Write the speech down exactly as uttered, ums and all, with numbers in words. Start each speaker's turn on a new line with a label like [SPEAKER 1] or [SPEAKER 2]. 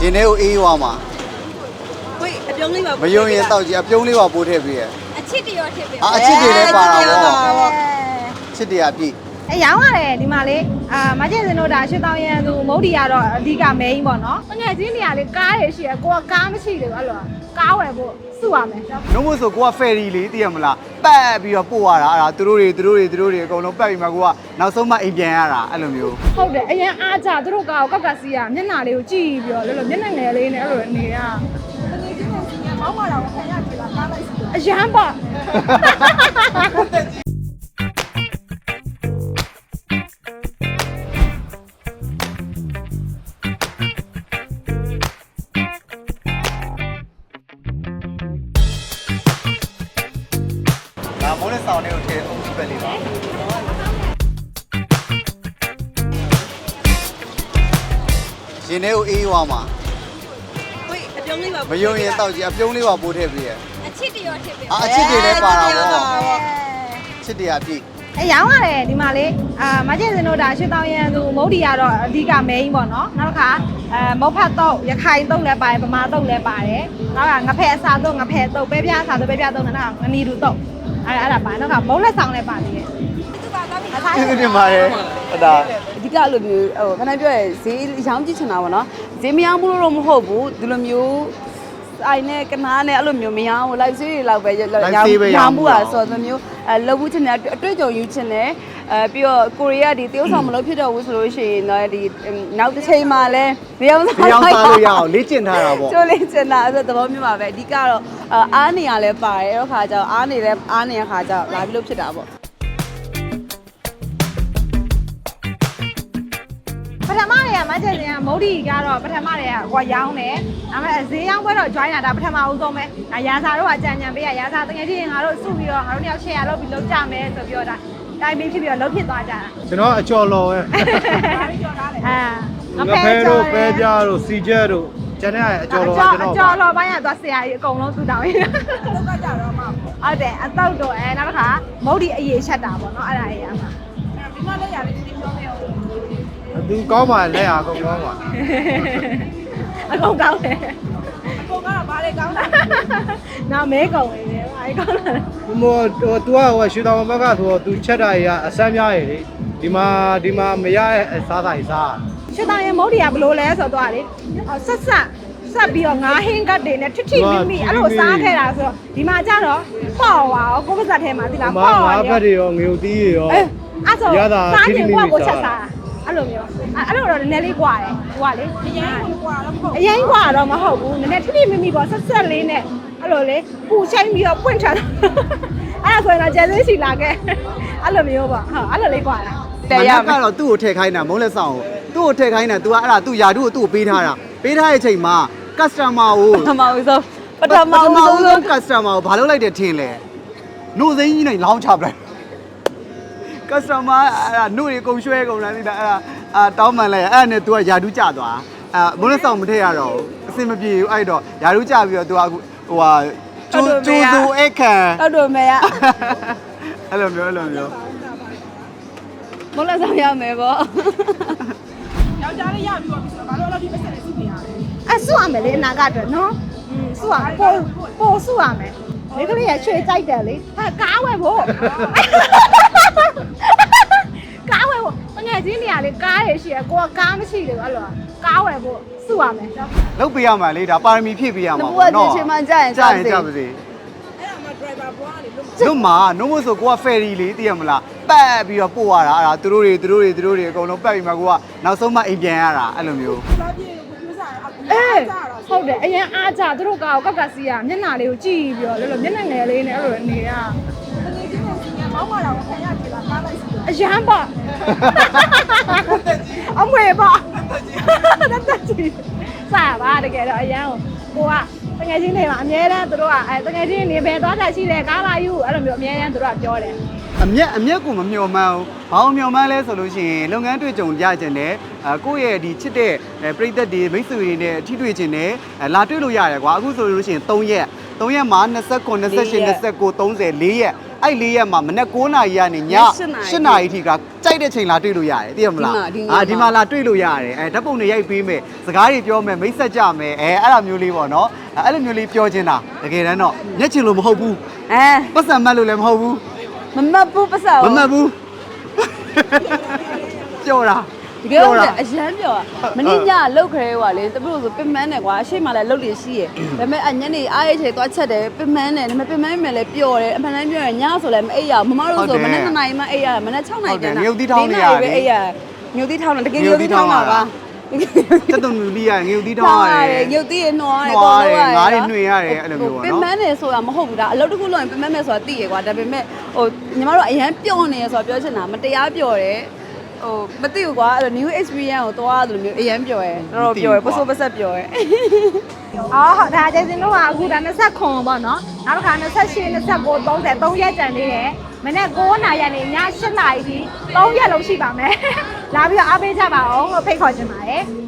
[SPEAKER 1] ရင်ထဲကိုအေးရွာမှာ
[SPEAKER 2] ဝေးအပြုံးလေးပါ
[SPEAKER 1] မယုံရင်တောက်ကြည့်အပြုံးလေးပါပိုးထည့်ပေးရဲ့
[SPEAKER 2] အချစ်တရောထည့်ပေး
[SPEAKER 1] အာအချစ်တွေလည်းပါတာပေါ့ချစ်တရားပြည့်
[SPEAKER 3] အဲရောင်းရတယ်ဒီမှာလေအာမကျင်စင်တို့ဒါရှစ်တောင်းရန်သူမုတ်တီကတော့အဓိက main ပေါ့နော်ငွေချင်းနေရာလေးကားရရှိရကိုကကားမရှိတယ်အဲ့လိုကားဝယ်ဖို့စုရမယ်
[SPEAKER 1] နှုတ်မို့ဆိုကိုကဖယ်ရီလေးသိရမလားပတ်ပြီးတော့ပို့ရတာအဲ့ဒါသူတို့တွေသူတို့တွေသူတို့တွေအကုန်လုံးပတ်ပြီးမှကိုကနောက်ဆုံးမှအိမ်ပြန်ရတာအဲ့လိုမျိုး
[SPEAKER 3] ဟုတ်တယ်အရင်အားကြသူတို့ကောက်ကကစီးရမျက်နှာလေးကိုကြည့်ပြီးတော့လောလောမျက်နှာငယ်လေးနဲ့အဲ့လိုနေရမောင်းမတော်ခံရကြည့်လားကားလိုက်အရန်ပေါ့
[SPEAKER 1] ဒါမိုးနဲ့ဆောင်လေးကိုထည့်အုံးကြီးပဲလေးပါရင်ထဲကိုအေးရွာမှာ
[SPEAKER 2] ဝေးအပြုံးလေးပါ
[SPEAKER 1] မယုံရင်တောက်ကြည့်အပြုံးလေးပါပိုးထည့်ပေးရဲ့
[SPEAKER 2] အချစ်တရောထည့်ပေး
[SPEAKER 1] အာအချစ်တွေလည်းပါတာပေါ့ချစ်တရားပြည့်
[SPEAKER 3] အဲရောင်းရတယ်ဒီမှာလေအာမကျင်စင်တို့ဒါရှစ်တောင်းရန်သူမုတ်တီကတော့အဓိက main ပေါ့နော်နောက်တစ်ခါအဲမုတ်ဖတ်တော့ရခိုင်တော့လည်းပါတယ်ဗမာတော့လည်းပါတယ်နောက်ကငဖဲအစာတော့ငဖဲတော့ပဲပြားအစာတော့ပဲပြားတော့နောက်ကငနီတူတော့အဲ့အဲ့ဒါပါနောက်ကမုတ်လက်ဆောင်လည်းပါသေးတယ်
[SPEAKER 1] ကျေးဇူးတင်ပါတယ်ဟုတ်တာ
[SPEAKER 4] အဓိကအဲ့လိုမျိုးဟိုခဏပြောရဲဈေးရောင်းကြည့်ချင်တာပေါ့နော်ဈေးမရောင်းဘူးလို့တော့မဟုတ်ဘူးဒီလိုမျိုးအိုင်နဲ့ကနားနဲ့အဲ့လိုမျိုးမရောင်းဘူး live ဈေးတွေလောက်ပဲရောင်းရောင်းမှုอ่ะဆိုတော့မျိုးအဲလောက်ဘူးချင်တယ်အတွေ့အကြုံယူချင်တယ်အဲပြီးတော့ကိုရီးယားဒီတရုတ်ဆောင်မလို့ဖြစ်တော့ဘူးဆိုလို့ရှိရင်တော့ဒီနောက်တစ်ချိန်မှလည်းမရောင်းစား
[SPEAKER 1] မရောစားလို့ရအောင်လေ့ကျင့်ထားတာပေါ့
[SPEAKER 4] ကျိုးလေးချင်တာအဲ့သဘောမျိုးပါပဲအဓိကတော့အားနေရလဲပါတယ်အဲ့ခါကျတော့အားနေလဲအားနေရခါကျတော့လာပြီးလို့ဖြစ်တာပေါ့
[SPEAKER 3] ပထမတွေကမကျင်စင်ကမုတ်တီကတော့ပထမတွေကဟိုရောင်းတယ်ဒါပေမဲ့ဈေးရောင်းပွဲတော့ join တာဒါပထမဦးဆုံးပဲဒါရာစာတို့ကကြံကြံပေးရရာစာတကယ်ချင်းငါတို့စုပြီးတော့ငါတို့နှစ်ယောက် share လုပ်ပြီးလုပ်ကြမယ်ဆိုပြီးတော့ဒါတိုင်းပင်းဖြစ်ပြီးတော့လုပ်ဖြစ်သွားကြတာ
[SPEAKER 5] ကျွန်တော်အကျော်လော်ပဲ
[SPEAKER 3] အာင
[SPEAKER 5] ငဖဲတို့ပဲကြတို့စီကျဲတို့ကျန်တဲ့အကျော်လော်ကကျွန်တော်
[SPEAKER 3] အကျော်လော်ပိုင်းကသွားဆရာကြီးအကုန်လုံးသူတောင်းရင်းလောက်ကကြတော့မှဟုတ်တယ်အတော့တော့အဲနောက်တစ်ခါမုတ်တီအရေးချက်တာပေါ့နော်အဲ့ဒါကြီးရမှာဒီမှာလည်းရတယ်ဒီပြောနေအောင်
[SPEAKER 5] သူကောင်းပါလက်အားကောင်းကောင်းပါ
[SPEAKER 3] အကုန်ကောင်းတယ်အကုန်ကတော့ဘာလဲကောင်းတာနောက်မဲကုန်နေတယ်ဘာလဲကောင်းတာ
[SPEAKER 5] ဟိုဟို तू ကဟိုရွှေတောင်ဘက်ကဆိုတော့ तू ချက်တာကြီးကအဆမ်းများရည်လေဒီမှာဒီမှာမရတဲ့စားတာကြီးစား
[SPEAKER 3] ရှစ်တောင်ရင်မုတ်တီကဘလို့လဲဆိုတော့လေဆက်ဆက်ဆက်ပြီးတော့ငါဟင်းကတ်တွေနဲ့ထွတ်ထိမိမိအဲ့လိုစားခဲ့တာဆိုတော့ဒီမှာကျတော့ပေါ့ပါရောကိုပစက်ထဲမှာဒီလား
[SPEAKER 5] မာ
[SPEAKER 3] ပေါ့
[SPEAKER 5] မာ
[SPEAKER 3] ပါ
[SPEAKER 5] ဖက်တွေရောငွေတီးတွေရော
[SPEAKER 3] အဲအဲ့ဆို
[SPEAKER 5] ရတာ
[SPEAKER 3] စား
[SPEAKER 5] ထိ
[SPEAKER 3] ချင်
[SPEAKER 5] ထိမိ
[SPEAKER 3] ကို
[SPEAKER 5] မိ
[SPEAKER 3] ကိုချက်
[SPEAKER 5] စား
[SPEAKER 3] စားအဲ့လိုမျိုးအဲ့လိုတော့နည်းနည်းလေးกว่าတယ်ဟိုကလေအရင်กว่าတော့မဟုတ်အရင်กว่าတော့မဟုတ်ဘူးနည်းနည်းထိထိမိမိပေါ့ဆက်ဆက်လေးနဲ့အဲ့လိုလေပူချိုင်းပြီးတော့ပွင့်ချတာအဲ့ဒါဆိုရင်တော့ကျန်သေးစီလာခဲ့အဲ့လိုမျိုးပေါ့ဟုတ်အဲ့လိုလေးกว่าတာ
[SPEAKER 4] တယ်ရမယ်
[SPEAKER 1] ကတော့သူ့ကိုထည့်ခိုင်းတာမုံးလက်ဆောင်ကိုသူ့ကိုထည့်ခိုင်းတာ तू ကအဲ့ဒါသူ့ယာတုကိုသူ့ကိုပေးထားတာပေးထားတဲ့အချိန်မှာ customer ကို
[SPEAKER 4] ပထမဦးဆုံးပထမ
[SPEAKER 1] ပထမ
[SPEAKER 4] ဦး
[SPEAKER 1] ဦး
[SPEAKER 4] ဆုံး
[SPEAKER 1] ဆုံး customer ကိုဘာလုပ်လိုက်တယ်ထင်လဲနှုတ်စိမ်းကြီးနဲ့လောင်းချပလိုက် customer အဲ့ဒါနှုတ်ရေကုန်ရွှဲကုန်လားသိလားအဲ့ဒါအာတောင်းမှန်လိုက်အဲ့ဒါနဲ့ तू ကယာတုကျသွားအာမုံးလက်ဆောင်မထည့်ရတော့အဆင်မပြေဘူးအဲ့တော့ယာတုကျပြီးတော့ तू ကအခုဟိုဟာကျိုးကျိုးစိုးအခန့်
[SPEAKER 4] ဟုတ်တယ်မေရ
[SPEAKER 1] အဲ့လိုမျိုးအဲ့လိုမျိုး
[SPEAKER 4] မလို့ဆောင်ရမယ်ပေါ့
[SPEAKER 3] ယောက်ျားလေးရပြီးတော့ပြီဆိုတော့ဘာလို့အဲ့လိုဒီပတ်စံလေးစုနေရလဲအဲ့စုရမယ်လေအနာကအတွက်နော်อืมစုရပို့ပို့စုရမယ်မိကလေးရချွေကြိုက်တယ်လေဟာကားဝယ်ဖို့ကားဝယ်ဖို့ငယ်ချင်းနေရာလေကားရရှိရကိုကကားမရှိတယ်အဲ့လိုကားဝယ်ဖို့စုရမယ်
[SPEAKER 1] လုတ်ပေးရမှာလေဒါပါရမီဖြည့်ပေးရမှာ
[SPEAKER 4] န
[SPEAKER 1] ပေါ့
[SPEAKER 4] ဘူးက
[SPEAKER 1] နော်
[SPEAKER 4] ချင်းမှကြာရင်
[SPEAKER 1] ကြာ
[SPEAKER 4] ကြာ
[SPEAKER 1] ရင်
[SPEAKER 4] စေ
[SPEAKER 1] ကြာပါစေတို့မှာနှုတ်မို့ဆိုကိုကဖယ်ရီလေးသိရမလားပတ်ပြီးတော့ပို့ရတာအဲ့ဒါသူတို့တွေသူတို့တွေသူတို့တွေအကုန်လုံးပတ်ပြီးမှကိုကနောက်ဆုံးမှအိမ်ပြန်ရတာအဲ့လိုမျိုး
[SPEAKER 3] အေးဟုတ်တယ်အရင်အားကြသူတို့ကောက်ကကစီးရမျက်နှာလေးကိုကြည့်ပြီးတော့လောလောမျက်နှာငယ်လေးနဲ့အဲ့လိုနေရမောင်းမတော်ခံရကြည့်လားကားလိုက်စီအရန်ပေါ့အမွေပေါ့တက်တက်ကြည့်စားပါတကယ်တော့အရန်ကိုကတကယ်ချင်းတွေမှာအများတန်းသူတို့ကအဲတကယ်ချင်းနေပဲသွားတာရှိတယ်ကားလာယူအဲ့လိုမျိုးအများတန်းသူတို့ကပြောတယ်
[SPEAKER 1] အမျက်အမျက်ကိုမမျှော်မှန်းဘူးဘာလို့မျှော်မှန်းလဲဆိုလို့ရှိရင်လုပ်ငန်းတွေ့ကြုံရကြတယ်အဲကိုယ့်ရဲ့ဒီချစ်တဲ့ပရိသတ်တွေမိတ်ဆွေတွေနဲ့ထိတွေ့ခြင်းနဲ့လာတွေ့လို့ရတယ်ကွာအခုဆိုလို့ရှိရင်၃ရက်၃ရက်မှာ29 28 29 30 ၄ရက်အဲ့လေးရက်မှာမနေ့9နာရီကနေည8နာရီထိကကြိုက်တဲ့ချိန်လာတွေ့လို့ရတယ်သိရမလားအာဒီမှာလာတွေ့လို့ရတယ်အဲဓာတ်ပုံတွေရိုက်ပေးမယ်စကားတွေပြောမယ်မိတ်ဆက်ကြမယ်အဲအဲ့လိုမျိုးလေးပေါ့နော်အဲ့လိုမျိုးလေးပြောချင်တာတကယ်တမ်းတော့ညက်ချင်လို့မဟုတ်ဘူး
[SPEAKER 4] အဲ
[SPEAKER 1] ပတ်စံမတ်လို့လည်းမဟုတ်ဘူး
[SPEAKER 4] မမတ်ဘူးပတ်စံ
[SPEAKER 1] မမတ်ဘူးပြောတာ
[SPEAKER 4] ဒီကဲတော့အရန်ပြောอ่ะမင်းညလောက်ခရဲဟွာလေတပည့်တို့ဆိုပင်မန်းတယ်ကွာအရှိမလည်းလုတ်လို့ရှိရယ်ဒါပေမဲ့အညနေအားရချေသွားချက်တယ်ပင်မန်းတယ်ဒါပေမဲ့ပင်မန်းမယ်လည်းပျော်တယ်အမှန်တမ်းပြောရင်ညဆိုလည်းမအိပ်ရမမတို့ဆိုမနေ့နှစ်နာရီမှအိပ်ရတယ်မနေ့6နာရီတန်းတာပဲအိပ်ရမြုပ်သီးထောင်းတယ်တကယ်မြုပ်သီးထောင်းတာပါ
[SPEAKER 1] တက်တုံလူလေးရငြုပ်သီးထောင်းရတယ်
[SPEAKER 4] မြုပ်သီးရနှောရတယ်ကောလုံးရတယ်
[SPEAKER 1] ငါးတွေနှွေရတယ်အဲ့လိုမျိုးပေါ့နော်
[SPEAKER 4] ပင်မန်းတယ်ဆိုတာမဟုတ်ဘူးဒါအလုပ်တစ်ခုလုပ်ရင်ပင်မန်းမယ်ဆိုတာသိရကွာဒါပေမဲ့ဟိုညီမတို့အရန်ပျော်နေရဆိုတာပြောချင်တာမတရားပျော်တယ်ဟိုမသိဘူးကွာအဲ့လို new experience ကိုသွားတယ်လို့မျိုးအရန်ပျော်ရယ်တော်တော်ပျော်ရယ်ပစိုးပဆက်ပျော်ရယ်
[SPEAKER 3] အော်ဟုတ်ဒါကျေစင်တို့ကအခုဒါ29ပေါ့နော်နောက်တစ်ခါ28 29 30 3ရက်ကျန်သေးတယ်မနေ့9နာရီကနေည8နာရီထိ3ရက်လုံးရှိပါမယ်လာပြီးတော့အားပေးကြပါအောင်လို့ဖိတ်ခေါ်ချင်ပါတယ်